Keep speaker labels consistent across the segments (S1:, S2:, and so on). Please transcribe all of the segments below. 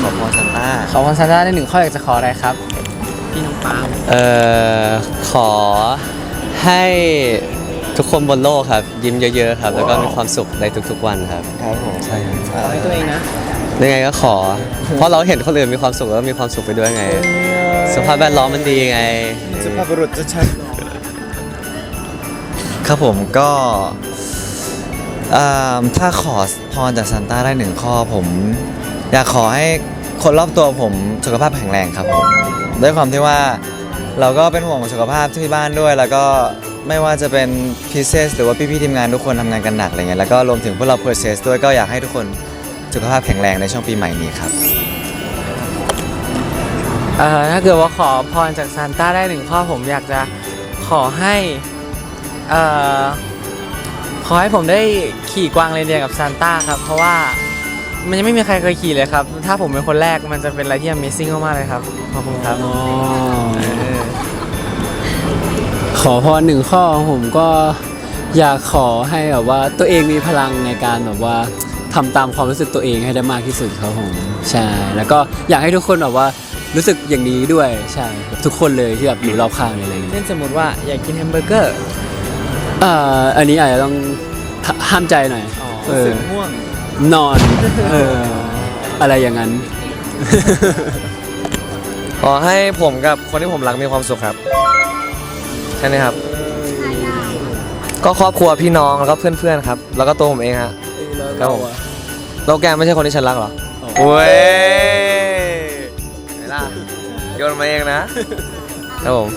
S1: ขอพรซานต้า
S2: ขอพรซานต้าได้1 ข้ออยากจะขออะไรครับพี่น้องปาล์ม
S3: ขอให้ทุกคนบนโลกครับยิ้มเยอะๆครับแล้วก็มีความสุขในทุกๆวันครับ
S1: ครับผม
S3: ใช่ครับ
S2: ขอให้ตัวเองนะ
S3: ยังไงก็ขอ เพราะเราเห็นคนอื่นมีความสุขแล้วก็มีความสุขไปด้วยไงสภาพแวดล้อมมันดีไง
S1: สุภาพบุรุษจะชัดครับผมก็ถ้าขอพรจากซานต้าได้1 ข้อผมอยากขอให้คนรอบตัวผมสุขภาพแข็งแรงครับผมด้วยความที่ว่าเราก็เป็นห่วงสุขภาพที่บ้านด้วยแล้วก็ไม่ว่าจะเป็นพีเซสหรือว่าพี่ๆทีมงานทุกคนทำงานกันหนักอะไรเงี้ยแล้วก็รวมถึงพวกเราเพอร์เซสด้วยก็อยากให้ทุกคนสุขภาพแข็งแรงในช่วงปีใหม่นี้ครับ
S2: ถ้าเกิดว่าขอพรจากซานต้าได้1 ข้อผมอยากจะขอให้ขอให้ผมได้ขี่กวางเรนเดียร์กับซานต้าครับเพราะว่ามันยังไม่มีใครเคยขี่เลยครับถ้าผมเป็นคนแรกมันจะเป็นอะไรที่ Amazing มากๆเลยครับขอบคุณครับ
S4: ขอพร1 ข้อผมก็อยากขอให้แบบว่าตัวเองมีพลังในการแบบว่าทำตามความรู้สึกตัวเองให้ได้มากที่สุดครับผมใช่แล้วก็อยากให้ทุกคนแบบว่ารู้สึกอย่างนี้ด้วยใช่ทุกคนเลยที่แบบอยู่รอบข้างอะไรอย่างเงี้ย
S2: เช่นสมมติว่าอยากกินแฮมเบอร์เกอร์
S4: อันนี้อาจจะต้องห้ามใจหน่อย
S2: สึกง่วง
S4: นอนอะไรอย่างนั้น
S3: ขอให้ผมกับคนที่ผมรักมีความสุขครับใช่ไหมครับก็ครอบครัวพี่น้องแล้วก็เพื่อนๆครับแล้วก็ตัวผมเองฮะครับผมเราแกไม่ใช่คนที่ฉันรักหรอโอ้ยไหนล่ะโยนมาเองนะครับผม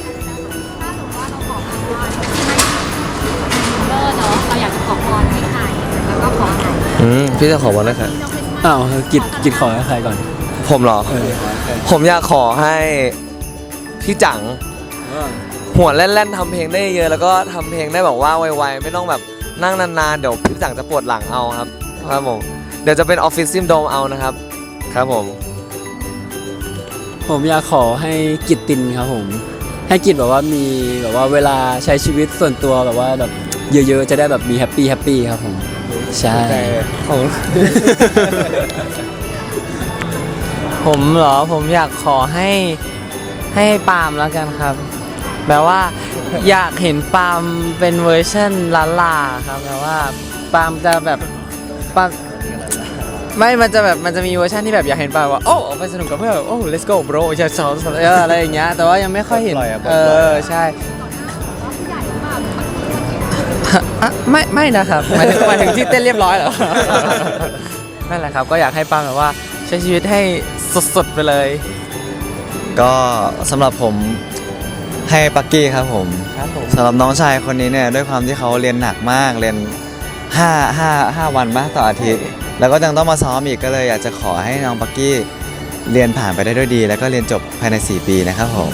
S5: เราอยากจะขอพรให้ใครแล้วก็ขออะไร
S3: พี่จะขอพรให้ใคร
S4: อ้าวกิจขอให้ใครก่อน
S3: ผมเหรอผมอยากขอให้พี่จังหัวแล่นๆทำเพลงได้เยอะแล้วก็ทำเพลงได้แบบว่าไวๆไม่ต้องแบบนั่งนานๆเดี๋ยวพี่จังจะปวดหลังเอาครับผมเดี๋ยวจะเป็นออฟฟิศซิมโดมเอานะครับครับ
S4: ผมอยากขอให้กิจตินครับผมให้กิจแบบว่ามีแบบว่าเวลาใช้ชีวิตส่วนตัวแบบว่าแบบเยอะๆจะได้แบบมีแฮปปี้ครับผมใช่
S2: ผมเหรอผมอยากขอให้ปาล์มแล้วกันครับแบบว่าอยากเห็นปาล์มเป็นเวอร์ชันลาครับแบบว่าปาล์มจะแบบปาล์มไม่มันจะมีเวอร์ชันที่แบบอยากเห็นปาล์มว่าโอ้ไปสนุกกับเพื่อนโอ้ let's go bro จะสอนอะไรอย่างเงี้ยแต่ว่ายังไม่ค่อยเห็นใช่ไม่นะครับหมายถึงที่เต้นเรียบร้อยเหรอนั่นแหละครับก็อยากให้ปาล์มแบบว่าใช้ชีวิตให้สดๆไปเลย
S1: ก็สำหรับผมให้ปักกี้ครับผมสำหรับน้องชายคนนี้เนี่ยด้วยความที่เขาเรียนหนักมากเรียน5 วันต่ออาทิตย์แล้วก็ยังต้องมาซ้อมอีกก็เลยอยากจะขอให้น้องปักกี้เรียนผ่านไปได้ด้วยดีแล้วก็เรียนจบภายใน4 ปีนะครับผม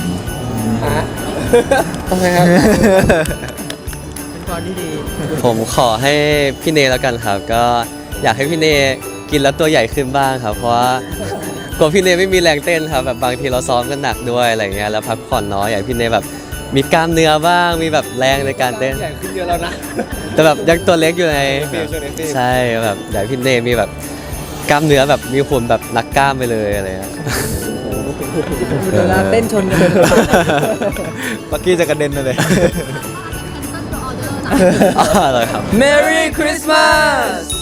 S2: โอเคครับเป็นพรที่ดี
S3: ผมขอให้พี่เนแล้วกันครับก็อยากให้พี่เนกินแล้วตัวใหญ่ขึ้นบ้างครับเพราะว่ากลัวพี่เนไม่มีแรงเต้นครับแบบบางทีเราซ้อมกันหนักด้วยอะไรเงี้ยแล้วพักผ่อนน้อยอยากพี่เนแบบมีกล้ามเนื้อบ้างมีแบบแรงในการเต้น
S2: ใหญ่ขึ้นเยอะแล้วนะ
S3: แต่แบบยังตัวเล็กอยู่ไงใช่แบบอยากพี่เนมีแบบกล้ามเนื้อแบบมีหุ่นแบบนักกล้ามไปเลยอะไรเงี้ย
S2: เวลาเต้นชนกัน
S1: ปักกี้จะกระเด็นเลย
S3: อะไรครับ
S2: Merry Christmas